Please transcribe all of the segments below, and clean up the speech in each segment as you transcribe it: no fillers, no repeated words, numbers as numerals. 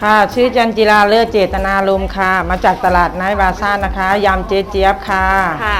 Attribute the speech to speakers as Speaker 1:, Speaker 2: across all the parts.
Speaker 1: ค่ะชื่อจันจิราเลิศเจตนารมณ์ค่ะมาจากตลาดไนท์บาซ่านะคะยำเจ๊เจี๊ยบค่ะ
Speaker 2: ค่ะ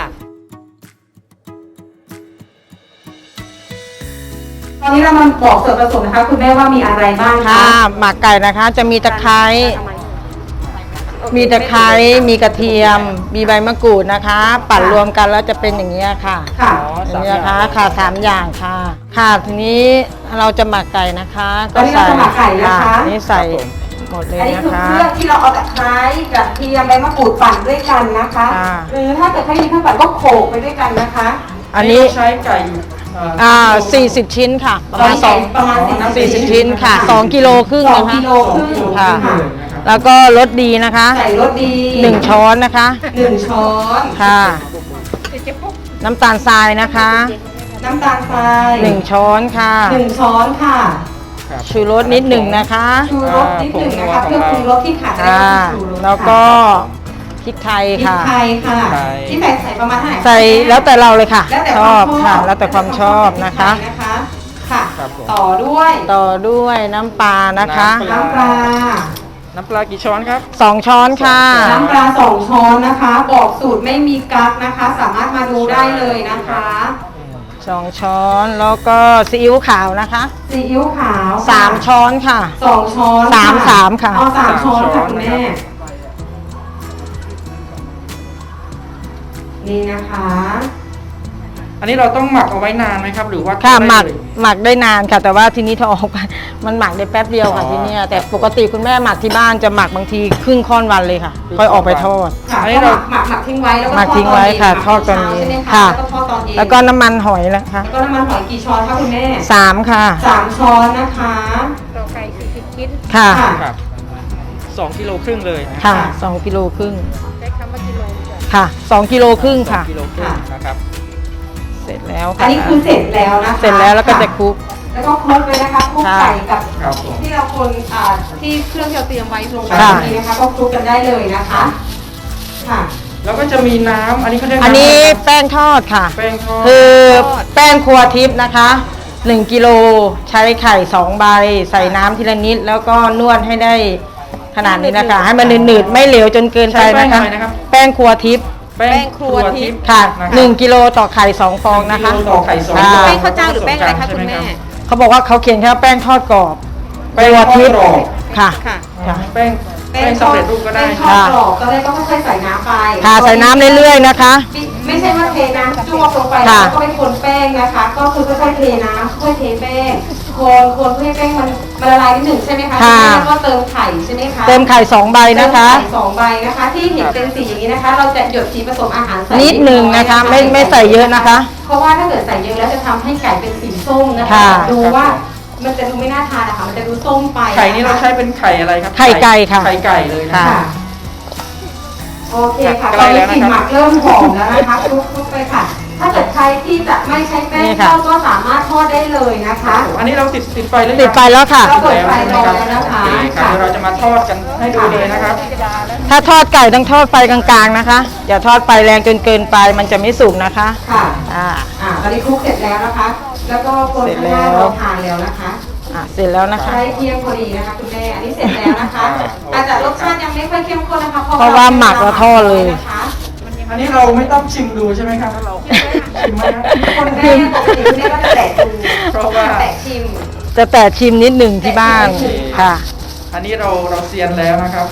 Speaker 3: ตอนนี้เรามาบอกส่วนผสมนะคะคุณแม่ว่ามีอะไรบ้างคะ
Speaker 1: ค่ะหมักไก่นะคะจะมีตะไคร้มีตะไคร้มีกระเทียม มีใบมะกรูดนะคะ ปั่นรวมกันแล้วจะเป็นอย่างนี้ค่ะ
Speaker 3: ค่ะ
Speaker 1: อย่างนี้นะคะค่ะ3 อย่างค่ะค่ะทีนี้เราจะหมักไก่นะคะ
Speaker 3: ตอนนี้เราจะหมักไก่นะคะ
Speaker 1: นี่ใส่หมดเลย
Speaker 3: อันนี้
Speaker 1: นะ
Speaker 3: คือ
Speaker 1: คะ
Speaker 3: เครื่องที่เราเอาตะไคร้กระเทียมใบมะกรูดปั่นด้วยกันนะคะหรือถ้าเกิดไม่มีเครื่องปั่นก็โขลกไปด้วยกันนะคะ
Speaker 1: อันนี้
Speaker 4: ใช้ไก่
Speaker 1: 40 ชิ้นค่ะประมาณ40 ชิ้นค่ะ2 กิโลครึ่งนะคะ
Speaker 3: 2 กิโลครึ่ง
Speaker 1: ค่ะแล้วก็รสดีนะคะ
Speaker 3: ใส่รสดี
Speaker 1: 1 ช้อนนะคะ
Speaker 3: 1 ช้อน
Speaker 1: ค่ะน้ำตาลทรายนะคะ
Speaker 3: น้ำตาลทราย
Speaker 1: 1 ช้อนค่ะ
Speaker 3: 1 ช้อนค่ะ
Speaker 1: ชูรสนิดหนึ่งนะคะ
Speaker 3: ชูรสนิดหนึ่งนะคะเครื่องปรุงรสที่ขาดไม่ได้ก็คือชูรส
Speaker 1: แล้วก็พริกไทยค่ะ
Speaker 3: พริกไทยค่ะที่ใส่ประมาณเท่าไหร่
Speaker 1: ใส่แล้วแต่เราเลยค่ะชอบค่ะแล้วแต่ความชอบนะคะ
Speaker 3: ค่ะต่อด้วย
Speaker 1: น้ำปลานะคะ
Speaker 3: น้ำปลา
Speaker 4: กี่ช้อนครับ
Speaker 1: 2 ช้อนค่ะ
Speaker 3: น้ำปลา2 ช้อนนะคะบอกสูตรไม่มีกั๊กนะคะ สามารถมาดูได้เลยนะคะ
Speaker 1: 2 ช้อนแล้วก็ซีอิ๊วขาวนะคะ
Speaker 3: ซีอิ๊วขาว
Speaker 1: 3 ช้อนค่ะ
Speaker 3: 2 ช้อน
Speaker 1: 3ค่ะ
Speaker 3: 3 ช้อนค่ะคุณแม่นี่นะคะ
Speaker 4: อันนี้เราต้องหมักเอาไว้นานไหมครับหรือว่า
Speaker 1: ค่ะหมักได้นานค่ะแต่ว่าทีนี้ถ้าออกไปมันหมักได้แป๊บเดียวค่ะที่นี่แต่ปกติคุณแม่หมักที่บ้านจะหมักบางทีครึ่งค่อนวันเลยค่ะค่อยออกไปทอด
Speaker 3: อันนี้เราหมักทิ้งไว้แล้วก็
Speaker 1: หมักทิ้งไว้ค่ะทอดตอนนี้ค่ะแล้วก็น้ำมันหอยนะคะ
Speaker 3: แล้วก็น้ำมันหอยกี่ช้อนคะคุณแม่
Speaker 1: 3ค่ะ
Speaker 3: 3 ช้อนนะคะ
Speaker 2: ต่อไก่40 ชิ้น
Speaker 1: ค่ะ
Speaker 4: 2 กิโลครึ่งเลย
Speaker 1: ค่ะ2 กิโลครึ่ง
Speaker 2: ใช้คำว่ากิโล
Speaker 1: ค่ะ2 กิโลครึ่งค่ะ
Speaker 4: 2 กิโลครึ่งนะครับ
Speaker 1: เสร็จแล้ว
Speaker 3: ค่ะอันนี้คือเสร็จแล้วนะคะ
Speaker 1: เสร็จแล้วก็จะคลุก
Speaker 3: แล้วก็คลุกเลยนะคะคลุกไก่กับที่เราคนที่เครื่องที่เราเตรียมไว้ลงไปนี้นะคะก็คลุกกันได้เลยนะคะค่ะ
Speaker 4: แล้วก็จะมีน้ำอันนี้เขาเรียก
Speaker 1: อันนี้แป้งทอดค่ะ
Speaker 4: แป้งทอด
Speaker 1: คือแป้งครัวทิพย์นะคะ1 กิโลใช้ไข่2 ใบใส่น้ำทีละนิดแล้วก็นวดให้ได้ขนาดนี้นะคะให้มันหนืดๆไม่เหลวจนเกินไปนะคะแป้งครัวทิพย์
Speaker 2: แป้งครัวทิพย์
Speaker 1: ค่ะ1 กิโลต่อไข่2 ฟองนะคะ
Speaker 4: ต่อไข่2 ฟอง
Speaker 2: แป้งข้าวเจ้าหรือแป้งอะไรคะคุณแม่
Speaker 1: เขาบอกว่าเขาเขียนแค่แป้งทอดกรอบแป้งทิพย์ค่ะ
Speaker 4: แป้งสำเร็จรูปก็ได้
Speaker 3: ทอดกรอบก็ได้ก็ค่อยๆใส่น้ำไป
Speaker 1: ค่ะใส่น้ำเรื่อยๆนะคะ
Speaker 3: ไม่ใช่ว่าเทน้ำจ้วงลงไปแล้วก็ไปคนแป้งนะคะก็คือค่อยๆเทน้ำค่อยๆเทแป้งคนเพื่อให้แป้งมันละลายนิดหนึ่งใช่ไหมคะแล้วก็เติมไข่ใช่ไหมคะ
Speaker 1: เติมไข่2 ใบนะคะ
Speaker 3: ไข่2 ใบนะคะที่เห็นเป็นสีอย่างนี้นะคะเราจะหยดสีผสมอาหาร
Speaker 1: นิดหนึ่งนะคะไม่ใส่เยอะนะคะ
Speaker 3: เพราะว่าถ้าเกิดใส่เยอะแล้วจะทำให้ไก่เป็นสีส้มนะคะดูว่ามันจะดูไม่น่าทานนะคะมันจะดูส้มไป
Speaker 4: ไข่นี้เราใช้เป็นไข่อะไรครับ
Speaker 1: ไข่ไก่ค่ะ
Speaker 4: ไข่ไก่เลยนะ
Speaker 3: โอเคค่ะตอนนี้กลิ่นหมักเริ่มหอมแล้วนะคะคลุกไปค่ะถ้าเกิดใครที่จะไม่ใช้แป้งทอดก็สามารถทอดได้เลยนะคะ
Speaker 4: อันนี้เราติดไฟแล้ว
Speaker 1: ติดไฟแล้วค่ะ
Speaker 3: เราเปิดไฟรอแล้วนะคะ
Speaker 4: เดี๋ยวเราจะมาทอดกันให้ดูเลยนะครับ
Speaker 1: ถ้าทอดไก่ต้องทอดไฟกลางๆนะคะอย่าทอดไฟแรงจนเกินไปมันจะไม่สุกนะคะ
Speaker 3: ค่ะตอนนี้คลุกเสร็จแล้วนะคะแล้วก็คนข้างหน้าเราทานแล้วนะคะ
Speaker 1: เสร็จแล้วนะคะ
Speaker 3: ใช้เทียมพอดีนะคะคุณแม่อันนี้เสร็จแล้วนะคะอาจจะรสชาติยังไม่ค่อยเข้มข้นนะคะ
Speaker 1: เพราะว่าหมักแล้วทอดเลย
Speaker 4: อันนี้เราไม่ต้องชิมดูใช่ไหมครับเราชิมไหม
Speaker 3: คนแม่ปกติคุณแม่ก็จะแตะดู
Speaker 4: เพราะว่า
Speaker 3: แตะชิม
Speaker 1: จะแตะชิมนิดหนึ่งที่บ้านค่ะ
Speaker 4: อันนี้เราเซียนแล้วนะครับ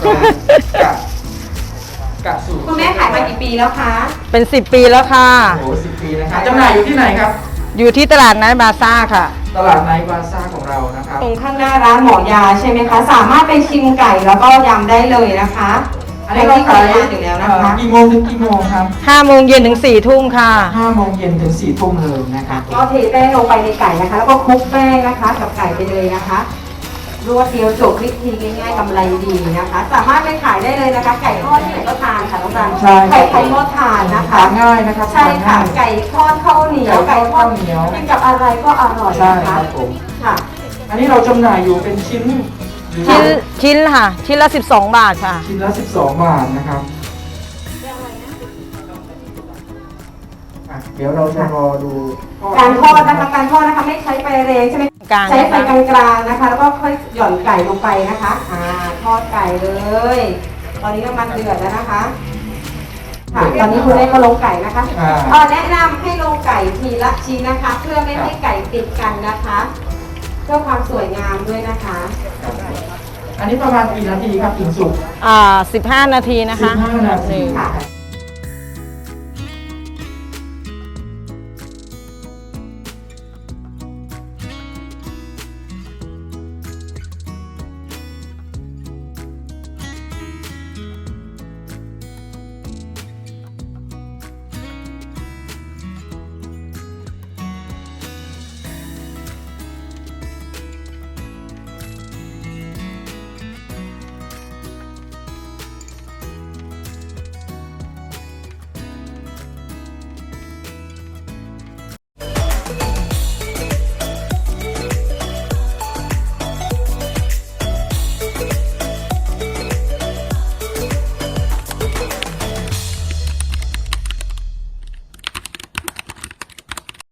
Speaker 4: กะสูตร
Speaker 3: คุณแม่ขายมากี่ปีแล้วคะ
Speaker 1: เป็น10 ปีแล้วค่ะ
Speaker 4: โอ้10 ปีนะครับจำหน่ายอยู่ที่ไหนครับ
Speaker 1: อยู่ที่ตลาดไนท์บาซ่าค่ะ
Speaker 4: ตลาดไนท์บาซ่าของเรานะครับ
Speaker 3: ตรงข้างหน้าร้านหมอยาใช่ไหมคะสามารถไปชิมไก่แล้วก็ยำได้เลยนะคะ
Speaker 4: อันนี้เราขายอยู่แล้วนะคะกี่โมงถึงกี่โมงครับ
Speaker 1: 5 โมงเย็นถึง4 ทุ่มค่ะ
Speaker 4: 5 โมงเย็นถึง4 ทุ่มเลยนะครับ
Speaker 3: ก็เทแป้งลงไปในไก่นะคะแล้วก็คลุกแป้งนะคะกับไก่ไปเลยนะคะรวดเดียวจบวิธีง่ายๆกำไรดีนะคะสามารถไปขายได้เลยนะคะไก่ทอดที่ไหนก็ทานค่ะน้องรันไก่ทอดทานนะคะ
Speaker 4: ง่ายนะครับ
Speaker 3: ใช่ค่ะไก่ทอดข้าวเหนียวไก่ทอดกินกับอะไรก็อร่อยนะคะค่ะ
Speaker 4: อันนี้เราจำหน่ายอยู่เป็นชิ้น
Speaker 1: ค่ะชิ้นละ12 บาทค่ะ
Speaker 4: ชิ้นละ12 บาทนะครับเดี๋ยวเราจะรอดู
Speaker 3: การทอดนะคะการทอดนะคะไม่ใช้ไฟแรงใช่ไหม
Speaker 1: กลางๆ
Speaker 3: ใช้ไฟกลางๆนะคะ แล้วก็ค่อยหย่อนไก่ลงไปนะคะทอดไก่เลย ตอนนี้น้ำมันเดือดแล้วนะคะค่ะตอนนี้คุณได้ก็ลงไก่นะคะแนะนำให้ลงไก่ทีละชิ้นนะคะ เพื่อไม่ให้ไก่ติดกันนะคะเพื่อความสวยงามด้วยนะคะ
Speaker 4: อันนี้ประมาณกี่นาทีครับถึงสุก
Speaker 1: 15 นาทีนะคะ
Speaker 4: 15 นาที
Speaker 1: หนึ่ง
Speaker 3: ค่ะ